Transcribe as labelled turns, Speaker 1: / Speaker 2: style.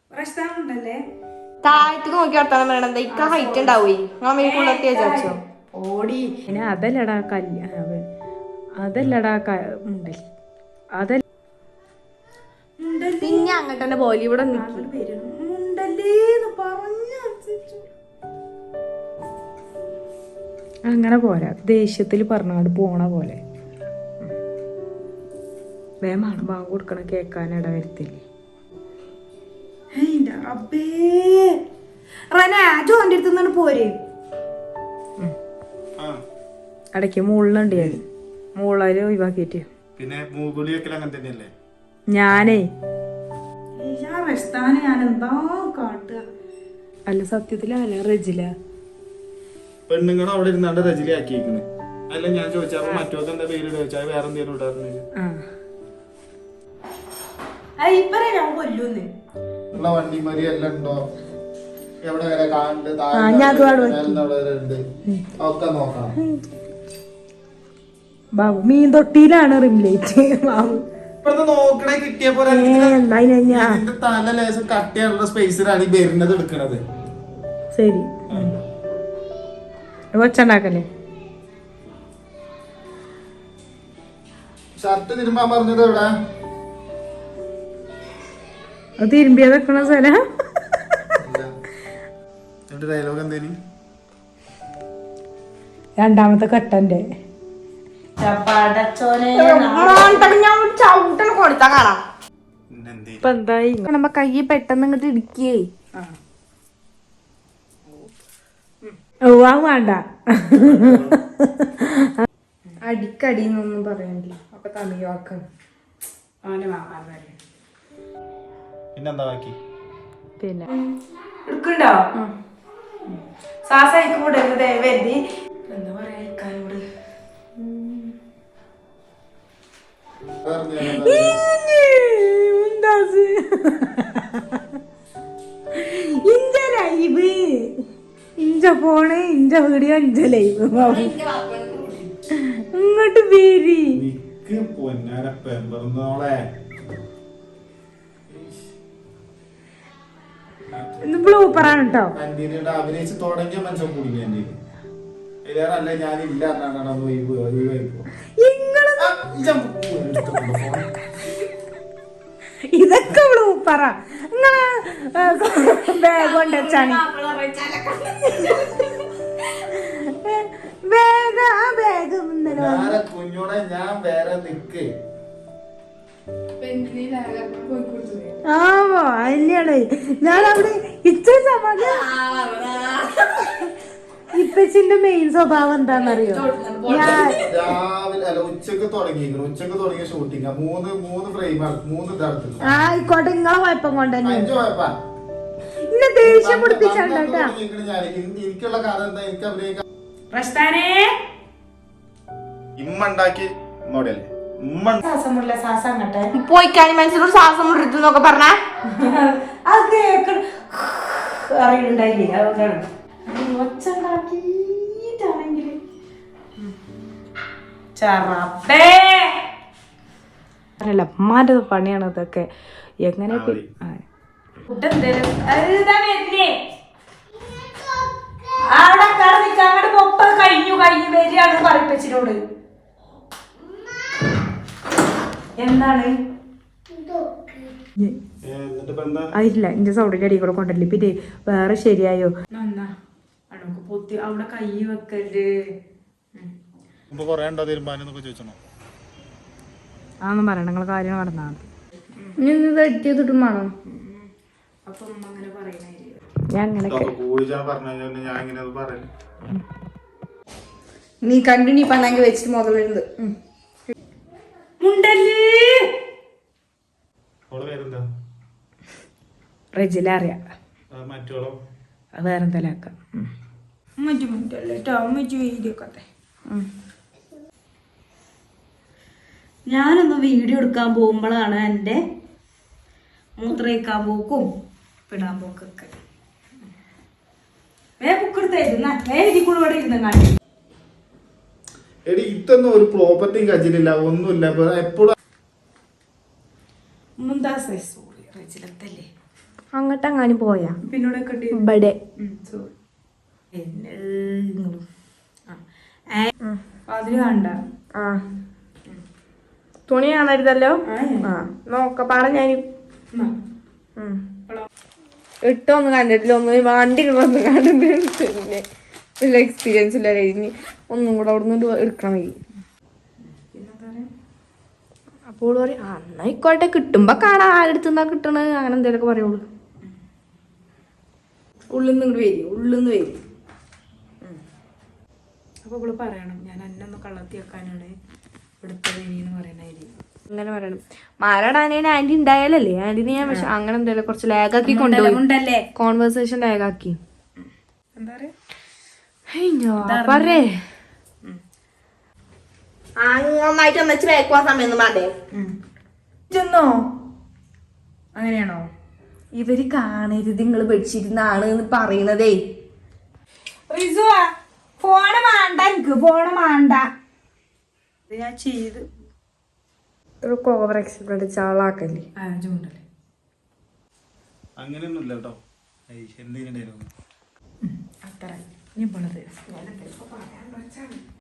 Speaker 1: താഴത്തേക്ക് നോക്കി വർത്താനം പറയണത് ഇക്ക ഹൈറ്റ് ഉണ്ടാവേ മേൽക്കുള്ളത്തി വിചാരിച്ചോ
Speaker 2: ഓടി പിന്നെ അതല്ലടാ അതല്ലടാ മുണ്ടൽ അതല്ല
Speaker 1: പിന്നെ അങ്ങോട്ട് തന്നെ പോലെ ഇവിടെ
Speaker 2: അങ്ങനെ പോരാ ദേഷ്യത്തിൽ പറഞ്ഞാണ്ട് പോണ പോലെ വേമാണ് ബാങ്ക് കൊടുക്കണം കേക്കാൻ ഇട വരുത്തില്ലേ
Speaker 3: പോരെ
Speaker 2: ഇടയ്ക്ക് മുള്ളുണ്ട് ഞാൻ മുള്ളാര് ഒഴിവാക്കിട്ട്
Speaker 4: പിന്നെ മൂകുളിയൊക്കെ അങ്ങനെ തന്നെയല്ലേ
Speaker 2: ഞാനേ
Speaker 3: ഞാൻ എന്താ കാട്ടുക
Speaker 2: അല്ല സത്യത്തിലല്ല റജില
Speaker 4: പെണ്ണുങ്ങൾ അവിടെ ഇരുന്നാണ്ട് റജിലി ആക്കിയിരിക്കുന്നത് അല്ല ഞാൻ ചോദിച്ചപ്പോ മറ്റോക്ക് എന്താ പേര് ചോദിച്ചാൽ വേറെ എന്തെങ്കിലും ഇടാറുണ്ട്
Speaker 3: ഞാൻ കൊല്ലൂന്ന്
Speaker 4: ഉള്ള വണ്ടിമാരി എല്ലാം ഉണ്ടോ എവിടെ വരെ കാണുന്നുണ്ട് ഒക്കെ നോക്കണം
Speaker 2: ബാബു മീൻ തൊട്ടിയിലാണ് റിംലൈറ്റ് ബാബു
Speaker 4: ഇപ്പഴത്തെ നോക്കണേ കിട്ടിയ പോലെ ഇതിന്റെ തല ലേശം കട്ടിയുള്ള സ്പേസിലാണ് ഈ വരുന്നത് എടുക്കണത്
Speaker 2: ശരി കൊച്ചുണ്ടാക്കല്ലേ
Speaker 4: ഷർട്ട് തിരുമ്പാൻ പറഞ്ഞത് എവിടെ
Speaker 2: അത് തിരുമ്പിയത് വെക്കണ സ്ഥലം
Speaker 4: ഡയലോഗ് എന്തേലും
Speaker 2: രണ്ടാമത്തെ കട്ടന്റെ
Speaker 1: ചവിട്ടൽ കൊടുത്താ കാണാം
Speaker 2: ഇപ്പൊ എന്തായി
Speaker 1: നമ്മ കൈ പെട്ടെന്ന് ഇങ്ങോട്ട് ഇടിക്കേ
Speaker 2: ഓ അത് വേണ്ട
Speaker 1: അടിക്കടിന്നൊന്നും പറയണില്ല അപ്പൊ തമിഴ് വാക്കാണ്
Speaker 4: പിന്നെന്താ ബാക്കി
Speaker 2: പിന്നെ
Speaker 3: എടുക്കണ്ടോ സാസയിക്ക് കൂടരുത് വരുതി എന്താ പറയാ ഇക്കാനോട്
Speaker 2: ഇഞ്ച ലൈവ് ഇഞ്ച ഫോണ് ഇഞ്ച വീഡിയോ ഇഞ്ച ലൈവ് ഇങ്ങോട്ട് പേരി ബ്ലൂപ്പറാണ് കേട്ടോ
Speaker 4: അഭിനയിച്ച് തുടങ്ങിയ മനുഷ്യൻ കുടുങ്ങി എന്റെ അല്ല ഞാനില്ല
Speaker 2: ഇതൊക്കെ ബ്ലൂപ്പറ ബാഗ് കൊണ്ട് വെച്ചാണ് ബാഗ് ആ ബാഗ്
Speaker 4: കുഞ്ഞോടെ ഞാൻ വേറെ നിക്ക്
Speaker 2: ആവോ അല്ലാണ് ഞാനവിടെ ഇച്ചിരി സമാധാനം ഇപ്പച്ചിന്റെ മെയിൻ സ്വഭാവം എന്താന്നറിയോ ഞാൻ
Speaker 4: രാവിലെ അല്ല ഉച്ചക്ക് തുടങ്ങിയ ഷൂട്ടിങ് മൂന്ന് ഫ്രെയിം 3 തരത്തിൽ
Speaker 2: ആയിക്കോട്ടെ നിങ്ങളെ കുഴപ്പം കൊണ്ട് തന്നെ
Speaker 4: 5 കുഴപ്പാ
Speaker 2: ഇന്നെ ദേഷ്യം പിടിപ്പിച്ചാണ്ടാ
Speaker 4: എനിക്കുള്ള കഥ എന്താ എനിക്ക് അഭിനയിക്കാൻ ഇമ്മ ഉണ്ടാക്കി മോഡൽ
Speaker 3: ശ്വാസമുള്ള ശ്വാസം അങ്ങട്ടെ
Speaker 1: പോയിക്കാനി മനസ്സിലോട് ശ്വാസം മുറിക്കുന്നൊക്കെ പറഞ്ഞ
Speaker 3: അത് കേക്ക് അറിയുന്നുണ്ടായില്ലേ അതുകൊണ്ടാണ് ഒച്ചുണ്ടാക്കിട്ടാണെങ്കിൽ
Speaker 2: അല്ല അമ്മാന്റെ പണിയാണ് ഇതൊക്കെ എങ്ങനെ
Speaker 3: കഴിഞ്ഞു വരികയാണ് പറയിപ്പച്ചിനോട് എന്താണ്
Speaker 2: അതില്ല എന്റെ സൗണ്ടിന്റെ അടി കൂടെ കൊണ്ടല്ലേ പിന്നെ വേറെ ശരിയായോ
Speaker 3: നന്നാ അണക്ക് പൊത്തി അവിടെ കൈ വെക്കല്
Speaker 2: അതൊന്നും പറയണ്ട നിങ്ങളെ കാര്യം നടന്നാൽ
Speaker 1: തെറ്റിയതിട്ടും വേണം
Speaker 3: അപ്പൊ ഉമ്മ അങ്ങനെ പറയണേ
Speaker 2: ഞാൻ അങ്ങനെ
Speaker 1: നീ കണ്ടിന്യൂ പണ്ണാങ്കി വെച്ചിട്ട് മുതലുണ്ട്
Speaker 2: റെജില അറിയാം അത് വേറെ എന്തെങ്കിലും ആക്കാം
Speaker 3: ഞാനൊന്ന് വീഡിയോ എടുക്കാൻ പോകുമ്പോഴാണ് എൻ്റെ മൂത്രയിക്കാൻ പോക്കും പിടാൻ പോക്കൊക്കെ
Speaker 4: എടി ഇതൊന്നും ഒരു പ്രോപ്പർട്ടിയും കജിലില്ല ഒന്നുമില്ല എപ്പോഴും
Speaker 3: മുന്താസേ സോറി റജിലത്തല്ലേ
Speaker 2: അങ്ങോട്ടെങ്ങാനും പോയാ
Speaker 3: പിന്നോടെ കെട്ടി
Speaker 2: ഇവിടെ
Speaker 3: സോറി അതില് കണ്ട
Speaker 2: ആ തുണി കാണരുതല്ലോ ആ നോക്കപ്പാടെ ഞാൻ ഇട്ടൊന്നും കണ്ടിട്ടില്ല ഒന്നും വണ്ടി ഒന്നും കണ്ടിട്ടുണ്ട് പിന്നെ വലിയ എക്സ്പീരിയൻസ് ഇല്ല കഴിഞ്ഞ് ഒന്നും കൂടെ അവിടെ നിന്ന് എടുക്കണം വൈകി അപ്പോൾ പറയും എന്നായിക്കോട്ടെ കിട്ടുമ്പോ കാണാം ആരെടുത്തുന്നാ കിട്ടണത് അങ്ങനെ എന്തേലൊക്കെ പറയുള്ളൂ ഉള്ളിൽ നിന്ന് ഇങ്ങോട്ട് വരും ഉള്ളിൽ നിന്ന് വരും
Speaker 3: അപ്പൊ ഇവള് പറയണം ഞാൻ അന്നൊന്ന് കള്ളത്തി വെക്കാനാണ് ഇവിടുത്തെ എന്ന് പറയണായി
Speaker 2: അങ്ങനെ പറയണം മാലടാനേന് ആന്റി ഉണ്ടായാലല്ലേ ആന്റിനെ ഞാൻ പക്ഷെ അങ്ങനെ എന്തേലും കുറച്ച് ലാഗാക്കി കൊണ്ടുപോയി കോൺവെർസേഷൻ ലാഗാക്കി
Speaker 3: എന്താ പറയാ
Speaker 2: പറയേ
Speaker 1: നന്നായിട്ട് ഒന്നിച്ച് വേക്കുവാൻ സമയം മാറ്റേ
Speaker 2: ചെന്നോ
Speaker 3: അങ്ങനെയാണോ
Speaker 2: ഇവര് കാണരുത് നിങ്ങള് ബെഡ്ഷീറ്റിന്നാണ് എന്ന് പറയണതേ
Speaker 3: ഫോണ് വേണ്ട എനിക്ക് ഫോണ് വേണ്ട ഞാൻ ചെയ്ത്
Speaker 2: ഓവർ എക്സ്പെക്ട് ചാളാക്കല്ലേ
Speaker 3: ചൂണ്ടല്ലേ
Speaker 4: അങ്ങനെയൊന്നുമില്ല കേട്ടോ എന്തിനുണ്ടായിരുന്നു
Speaker 3: അത്ര ഇനി പോണത്